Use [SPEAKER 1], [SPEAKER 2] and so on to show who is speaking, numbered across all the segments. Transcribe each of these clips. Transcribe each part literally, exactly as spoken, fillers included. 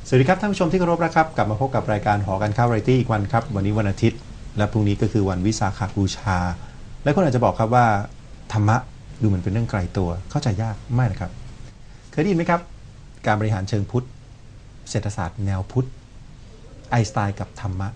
[SPEAKER 1] สวัสดีครับท่านผู้ชมที่เคารพนะครับกลับมาพบกับรายการหอการค้าวาไรตี้อีกวันครับวันนี้วันอาทิตย์และพรุ่งนี้ก็คือวันวิสาขบูชาและคนอาจจะบอกครับว่าธรรมะดูเหมือนเป็นเรื่องไกลตัวเข้าใจยากไม่นะครับเคยได้ยินไหมครับการบริหารเชิงพุทธเศรษฐศาสตร์แนวพุทธไอน์สไตน์กับธรรมะ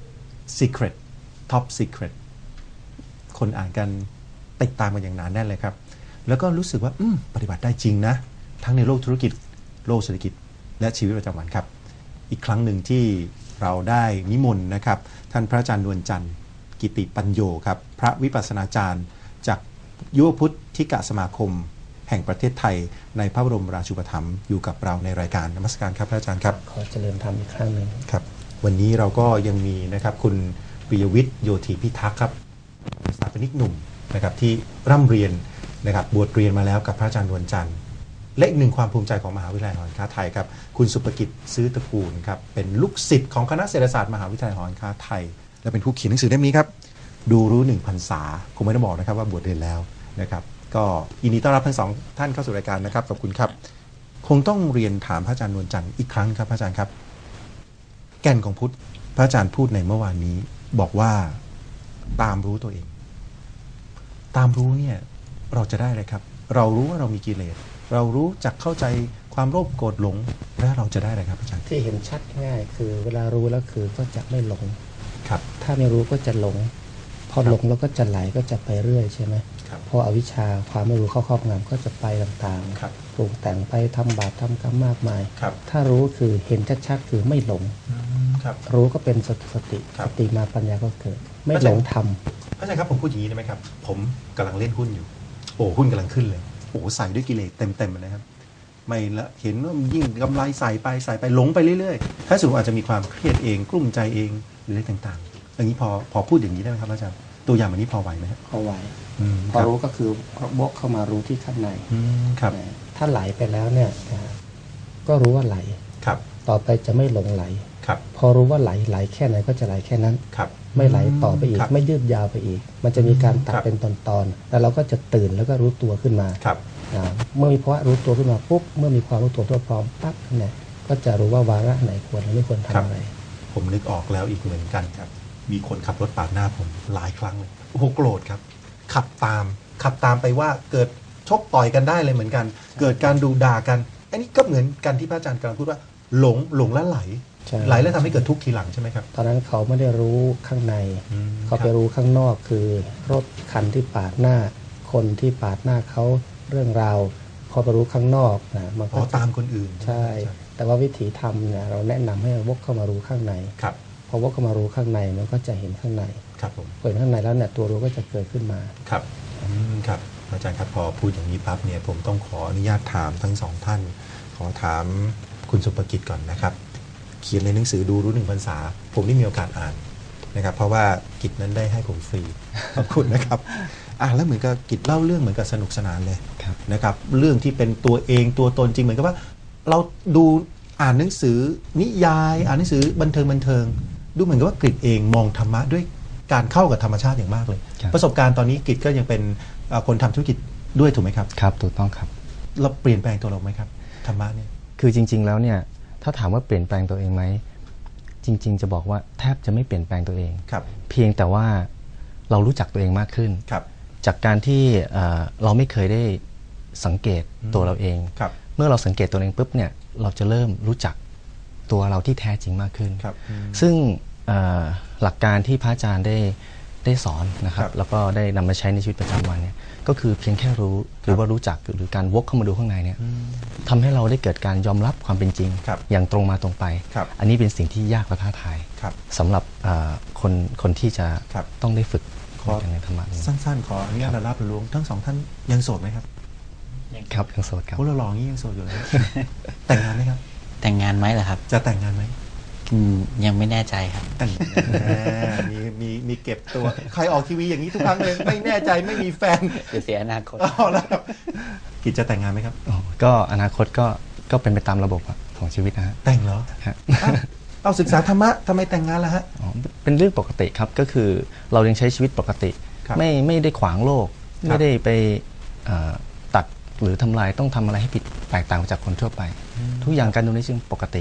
[SPEAKER 1] Secret Top Secret คนอ่านกันติดตามกันอย่างหนาแน่นเลยครับแล้วก็รู้สึกว่าปฏิบัติได้จริงนะทั้งในโลกธุรกิจโลกเศรษฐกิจและชีวิตประจำวันครับอีกครั้งหนึ่งที่เราได้นิมนต์นะครับท่านพระอาจารย์นวลจันทร์กิติปัญโยครับพระวิปัสสนาจารย์จากยุวพุทธิกสมาคมแห่งประเทศไทยในพระบรมราชูปถัมภ์อยู่กับเราในรายการนมัสการครับพระอาจารย์ครับ
[SPEAKER 2] ขอเจริญธรรมอีกครั้งหนึ่ง
[SPEAKER 1] ครับวันนี้เราก็ยังมีนะครับคุณปิยวิทย์โยธีพิทักษ์ครับสถาปนิกหนุ่มนะครับที่ร่ำเรียนนะครับบวชเรียนมาแล้วกับพระอาจารย์นวลจันทร์และอีกหนึ่งความภูมิใจของมหาวิทยาลัยหอการค้าไทยครับคุณสุภกิจซื้อตระกูลครับเป็นลูกศิษย์ของคณะเศรษฐศาสตร์มหาวิทยาลัยหอการค้าไทยและเป็นผู้เขียนหนังสือเล่มนี้ครับดูรู้หนึ่งพรรษาคงไม่ต้องบอกนะครับว่าบวชเรียนแล้วนะครับก็ยินดีต้อนรับทั้งสองท่านเข้าสู่รายการนะครับขอบคุณครับคงต้องเรียนถามพระอาจารย์นวลจันทร์อีกครั้งครับพระอาจารย์ครับแก่นของพุทธพระอาจารย์พูดในเมื่อวานนี้บอกว่าตามรู้ตัวเองตามรู้เนี่ยเราจะได้อะไรครับเรารู้ว่าเรามีกิเลสเรารู้จักเข้าใจความโลภโกรธหลงแล้วเราจะได้อะไรครับอาจารย์
[SPEAKER 2] ที่เห็นชัดง่ายคือเวลารู้แล้วคือก็จะไม่หลง
[SPEAKER 1] ครับ
[SPEAKER 2] ถ้าไม่รู้ก็จะหลงพอหลงแล้วก็จะไหลก็จะไปเรื่อยใช่ไหมพออวิชชาความไม่รู้เข้าครอบงำก็จะไปต่างๆปรุงแต่งไปทำบาปทำกรรมมากมายถ้ารู้คือเห็นชัดๆคือไม่หลงรู้ก็เป็นสติสติสติมาปัญญาก็เกิดไม่หลงท
[SPEAKER 1] ำพระอาจารย์ครับผมพูดอย่างนี้ได้ไหมครับผมกำลังเล่นหุ้นอยู่โอ้หุ้นกำลังขึ้นเลยโอ้ใส่ด้วยกิเลสเต็มๆเลยนะครับไม่ละเห็นว่ายิ่งกำไรใส่ไปใส่ไปหลงไปเรื่อยๆถ้าสมมติอาจจะมีความเครียดเองกลุ้มใจเองหรืออะไรต่างๆอย่างนี้พอพอพูดอย่างนี้ได้ไหมครับอาจารย์ตัวอย่างแบบนี้พอไหวไหมครับ
[SPEAKER 2] พอไหวพอรู้ก็คือวกเข้ามารู้ที่ข้างใน
[SPEAKER 1] ครับ
[SPEAKER 2] ถ้าไหลไปแล้วเนี่ยก็รู้ว่าไหล
[SPEAKER 1] ครับ
[SPEAKER 2] ต่อไปจะไม่หลงไหล
[SPEAKER 1] ครับ
[SPEAKER 2] พอรู้ว่าไหลไหลแค่ไหนก็จะไหลแค่นั้น
[SPEAKER 1] ครับ
[SPEAKER 2] ไม่ไหลต่อไปอีกไม่ยืดยาวไปอีกมันจะมีการตัดเป็นตอนๆแล้วเราก็จะตื่นแล้วก็รู้ตัวขึ้นมา
[SPEAKER 1] ครับ
[SPEAKER 2] เมื่อมีภาวะรู้ตัวขึ้นมาปุ๊บเมื่อมีความรู้ตัวทั่วพร้อมปั๊บเนี่ยก็จะรู้ว่าวาระไหนควรหรือไม่ควรทำอะไร
[SPEAKER 1] ผมนึกออกแล้วอีกเหมือนกันครับมีคนขับรถปาดหน้าผมหลายครั้งเลยโอ้โหโกรธครับขับตามขับตามไปว่าเกิดชกต่อยกันได้เลยเหมือนกันเกิดการดูด่ากันอันนี้ก็เหมือนกันที่พระอาจารย์กำลังพูดว่าหลงหลงแล้วไหลไหลแล้วทำให้เกิดทุกข์ทีหลังใช่ไหมครับ
[SPEAKER 2] ตอนนั้นเขาไม่ได้รู้ข้างในเขาไปรู้ข้างนอกคือรถคันที่ปาดหน้าคนที่ปาดหน้าเขาเรื่องราวพอไปรู้ข้างนอกนะมันก็
[SPEAKER 1] ตามคนอื่น
[SPEAKER 2] ใช่แต่ว่าวิถีธรรมเนี่ยเราแนะนำให้วกเข้ามารู้ข้างใน
[SPEAKER 1] ครับ
[SPEAKER 2] พอวกเข้ามารู้ข้างในมันก็จะเห็นข้างใน
[SPEAKER 1] ครับผม
[SPEAKER 2] เปิดข้างในแล้วเนี่ยตัวรู้ก็จะเกิดขึ้นมา
[SPEAKER 1] ครับครับอาจารย์ครับพอพูดอย่างนี้ปั๊บเนี่ยผมต้องขออนุญาตถามทั้งสองท่านขอถามคุณสุภกิจก่อนนะครับเขียนในหนังสือดูรู้หนึ่งพรรษาผมได้มีโอกาสอ่านนะครับเพราะว่ากิจนั้นได้ให้ผมฟรีขอบคุณนะครับอ่ะแล้วเหมือนกับกิจเล่าเรื่องเหมือนกับสนุกสนานเลยนะครับเรื่องที่เป็นตัวเองตัวตนจริงเหมือนกับว่าเราดูอ่านหนังสือนิยายอ่านหนังสือบันเทิงบันเทิงดูเหมือนกับว่ากิจเองมองธรรมะด้วยการเข้ากับธรรมชาติอย่างมากเลยประสบการณ์ตอนนี้กิจก็ยังเป็นคนทำธุรกิจด้วยถูกไหมครับ
[SPEAKER 3] ครับถูกต้องครับ
[SPEAKER 1] เราเปลี่ยนแปลงตัวเราไหมครับธรรมะเนี่ย
[SPEAKER 3] คือจริงๆแล้วเนี่ยถ้าถามว่าเปลี่ยนแปลงตัวเองไหมจริงๆจะบอกว่าแทบจะไม่เปลี่ยนแปลงตัวเองเพียงแต่ว่าเรารู้จักตัวเองมากขึ้นจากการที่เราไม่เคยได้สังเกตตัวเราเองเมื่อเราสังเกตตัวเองปุ๊บเนี่ยเราจะเริ่มรู้จักตัวเราที่แท้จริงมากขึ้นซึ่งหลักการที่พระอาจารย์ได้ได้สอนนะครับแล้วก็ได้นำมาใช้ในชีวิตประจำวันเนี่ยก็คือเพียงแค่รู้หรือว่ารู้จักหรือการวกเข้ามาดูข้างในเนี่ยทำให้เราได้เกิดการยอมรับความเป็นจริงอย่างตรงมาตรงไปอันนี้เป็นสิ่งที่ยากและท้าทายสำหรับคนคนที่จะต้องได้ฝึก
[SPEAKER 1] อย่างในธรรมะสั้นๆขออนุญาตรับรู้ทั้งสองท่านยังโสดไหมครับ
[SPEAKER 3] ครับยังโสดครับ
[SPEAKER 1] พวกเราหล่องี้ยังโสดอยู่เลยแต่งงานไหมครับ
[SPEAKER 4] แต่งงานไหมเหรอครับ
[SPEAKER 1] จะแต่งงานไหม
[SPEAKER 4] ยังไม่แน่ใจครับ
[SPEAKER 1] แต่งมีมีมีเก็บตัวใครออกทีวีอย่างนี้ทุกครั้งเลยไม่แน่ใจไม่มีแฟน
[SPEAKER 4] จะเสียอนาคต
[SPEAKER 1] อ๋อแล้วกิจจะแต่งงานไหมครับ
[SPEAKER 3] ก็อนาคตก็ก็เป็นไปตามระบบของชีวิตนะฮะ
[SPEAKER 1] แต่งเหรอเอาศึกษาธรรมะทำไมแต่งงานล่ะฮะ
[SPEAKER 3] เป็นเรื่องปกติครับก็คือเรายังใช้ชีวิตปกติไม่ไม่ได้ขวางโลกไม่ได้ไปตัดหรือทำลายต้องทำอะไรให้ผิดแตกต่างจากคนทั่วไปทุกอย่างการดูในเชิงปกติ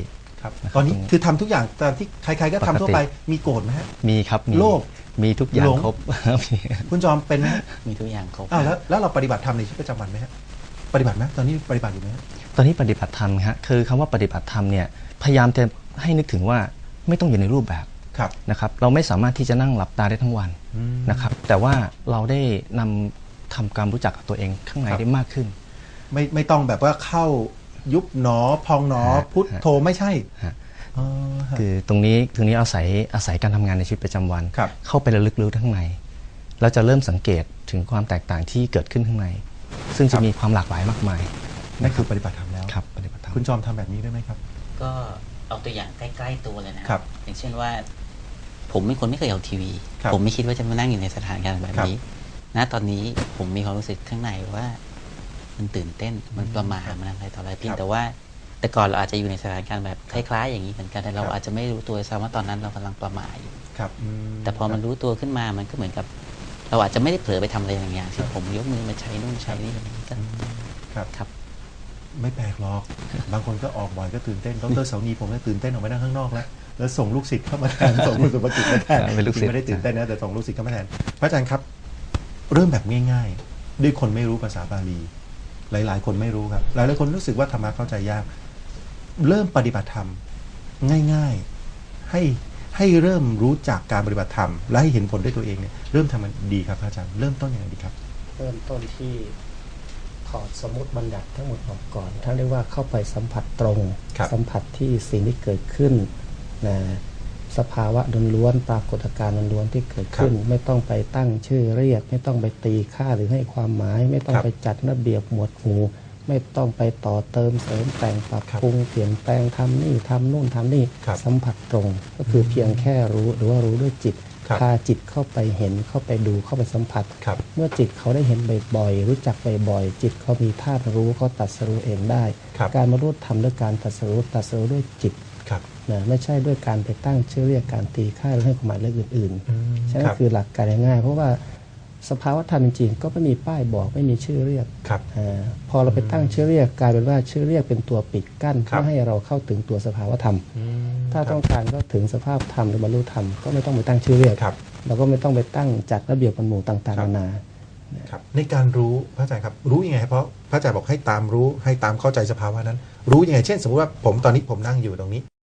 [SPEAKER 1] ครับ
[SPEAKER 3] นะครับ
[SPEAKER 1] ตอนนี้
[SPEAKER 3] ตรงนี้
[SPEAKER 1] คือทำทุกอย่างตามที่ใครๆก็ทำทั่วไป
[SPEAKER 3] ปกติ
[SPEAKER 1] มีโกรธไหมฮะ
[SPEAKER 3] มีครับมี
[SPEAKER 1] โลภ
[SPEAKER 3] มีทุกอย่าง
[SPEAKER 1] หลง
[SPEAKER 3] ครบ มี
[SPEAKER 1] คุณจอมเป็นไหมฮะ
[SPEAKER 4] มีทุกอย่างครบ
[SPEAKER 1] อ้าวแล้วแล้วเราปฏิบัติธรรมในชีวิตประจำวันไหมฮะปฏิบัติไหมตอนนี้ปฏิบัติอยู่ไหมฮะ
[SPEAKER 3] ตอนนี้ปฏิบัติธรรมฮะคือคำว่าปฏิบัติธรรมเนี่ยพยายามจะให้นึกถึงว่าไม่ต้องอยู่ในรูปแบบ
[SPEAKER 1] ครับ
[SPEAKER 3] นะครับเราไม่สามารถที่จะนั่งหลับตาได้ทั้งวัน
[SPEAKER 1] อืม
[SPEAKER 3] นะครับแต่ว่าเราได้นำทำความรู้จักกับตัวเองข้างใน
[SPEAKER 1] ครับ
[SPEAKER 3] ได้มากขึ้น
[SPEAKER 1] ไม่ไม่ต้องแบบว่าเข้ายุบหนอพองหนอ
[SPEAKER 3] ฮะ
[SPEAKER 1] พุทโธไม่ใช่
[SPEAKER 3] ฮะ
[SPEAKER 1] อ๋อฮะ
[SPEAKER 3] คือตรงนี้ตรงนี้อาศัยอาศัยการทำงานในชีวิตประจำวัน
[SPEAKER 1] ครับ
[SPEAKER 3] เข้าไประลึกรู้ข้างในเราจะเริ่มสังเกตถึงความแตกต่างที่เกิดขึ้นข้างใน ซึ่งจะมีความหลากหลายมากมาย
[SPEAKER 1] นั่นคือปฏิบัติธรรมแล้ว
[SPEAKER 3] ครับปฏิบัติธรรม
[SPEAKER 1] คุณจอมทำแบบนี้ได้ไหมครับ
[SPEAKER 4] ก็เอาตัวอย่างใกล้ๆตัวเลยนะครับ อย่างเช่นว่า ผมเป็นคนไม่เคยเอาทีวี
[SPEAKER 1] ครับ
[SPEAKER 4] ผมไม่คิดว่าจะมานั่งอยู่ในสถานการณ์แบบนี้ ณ ตอนนี้ผมมีความรู้สึกข้างในว่ามันตื่นเต้น มันประหม่ามันอะไรต่ออะไรเพียงแต่ว่า แต่ก่อนเราอาจจะอยู่ในสถานการณ์แบบคล้ายๆอย่างนี้เหมือนกัน แต่เรา
[SPEAKER 1] ครับ
[SPEAKER 4] อาจจะไม่รู้ตัวซ้ำว่าตอนนั้นเรากำลังประหม่าอยู่
[SPEAKER 1] ครับอืม
[SPEAKER 4] แต่พอมันรู้ตัวขึ้นมามันก็เหมือนกับ เราอาจจะไม่ได้เผลอไปทำอะไรอย่างอย่างที่ผมยกมือมาใช้นู่นใช้นี่อะไรอย่างนี้ก็
[SPEAKER 1] ครับ
[SPEAKER 4] ครับ
[SPEAKER 1] ไม่แปลกหรอก บางคนก็ออกบ่อยก็ตื่นเต้นดรเสานีผมก็ตื่นเต้นออกมานั่งข้างนอกแล้วแล้วส่งลูกศิษย์เข้ามาแทน ส่งคุณสุภกิจมาแทน
[SPEAKER 3] เป็นลูกศิษย์
[SPEAKER 1] ไม่ได้ตื่นเต้นนะแต่ส่งลูกศิษย์เข้ามาแทนพระอาจารย์ครับ เริ่มแบบง่ายๆ ด้วยคนไม่รู้ภาษาบาลี หลายๆ คนไม่รู้ครับ หลายๆคนรู้สึกว่าธรรมะเข้าใจยาก เริ่มปฏิบัติธรรมง่ายๆ ให้ให้เริ่มรู้จักการปฏิบัติธรรมและให้เห็นผลด้วยตัวเองเนี่ยเริ่มทำมันดีครับพระอาจารย์เริ่มต้นยังไงดีครับ
[SPEAKER 2] เริ่มต้นที่ถอดสมมติบัญญัติทั้งหมดออกก่อนท่านเรียกว่าเข้าไปสัมผัสตรง
[SPEAKER 1] ครับ
[SPEAKER 2] สัมผัสที่สิ่งที่เกิดขึ้นนะสภาวะล้วนๆปรากฏการณ์ล้วนๆที่เกิดขึ้น ไม่ต้องไปตั้งชื่อเรียก ไม่ต้องไปตีค่าหรือให้ความหมาย ไม่ต้องไปจัดระเบียบหมวดหมู่ ไม่ต้องไปต่อเติมเสริมแต่งปรับปรุงเปลี่ยนแปลงทำนี่ทำนู่นทำนี่
[SPEAKER 1] ครับ
[SPEAKER 2] สัมผัสตรง ก็คือเพียงแค่รู้หรือว่ารู้ด้วยจิต
[SPEAKER 1] ครับ
[SPEAKER 2] พาจิตเข้าไปเห็นเข้าไปดูเข้าไปสัมผัส
[SPEAKER 1] ครับ
[SPEAKER 2] เมื่อจิตเขาได้เห็นบ่อยๆรู้จักบ่อยๆจิตเขามีธาตุรู้เขาตรัดสรู้เองได้
[SPEAKER 1] ครับ
[SPEAKER 2] การมารู้ทำด้วยการตรัดสรู้ตรัดสรู้ด้วยจิต
[SPEAKER 1] ครับ
[SPEAKER 2] นะไม่ใช่ด้วยการไปตั้งชื่อเรียกการตีค่าหรือให้ความหมายเรื่องอื่น
[SPEAKER 1] อืม
[SPEAKER 2] ๆฉะนั้
[SPEAKER 1] คน รับ
[SPEAKER 2] คือหลักการง่ายๆเพราะว่าสภาวะธรรมจริงๆก็ไม่มีป้ายบอกไม่มีชื่อเรียก
[SPEAKER 1] ครับ
[SPEAKER 2] อาพอเราไปตั้งชื่อเรียกกลายเป็นว่าชื่อเรียกเป็นตัวปิดกั้น
[SPEAKER 1] ครับ
[SPEAKER 2] ไม่ให้เราเข้าถึงตัวสภาวะธรรม
[SPEAKER 1] อืม
[SPEAKER 2] ถ้าต้องการเข้าถึงสภาพธรรมหรือบรรลุธรรมก็ไม่ต้องไปตั้งชื่อเรียก
[SPEAKER 1] ครับ
[SPEAKER 2] เราก็ไม่ต้องไปตั้งจัดระเบียบหมู่ต่าง
[SPEAKER 1] ครั
[SPEAKER 2] ๆ
[SPEAKER 1] บ
[SPEAKER 2] นานา
[SPEAKER 1] ครับในการรู้พระอาจารย์ครับรู้ยังไงเพราะพระอาจารย์บอกให้ตามรู้ให้ตามเข้าใจสภาวะนั้น รู้ยังไงเช่น สมมติว่าผมตอนนี้ผมนั่งอยู่ตรงนี้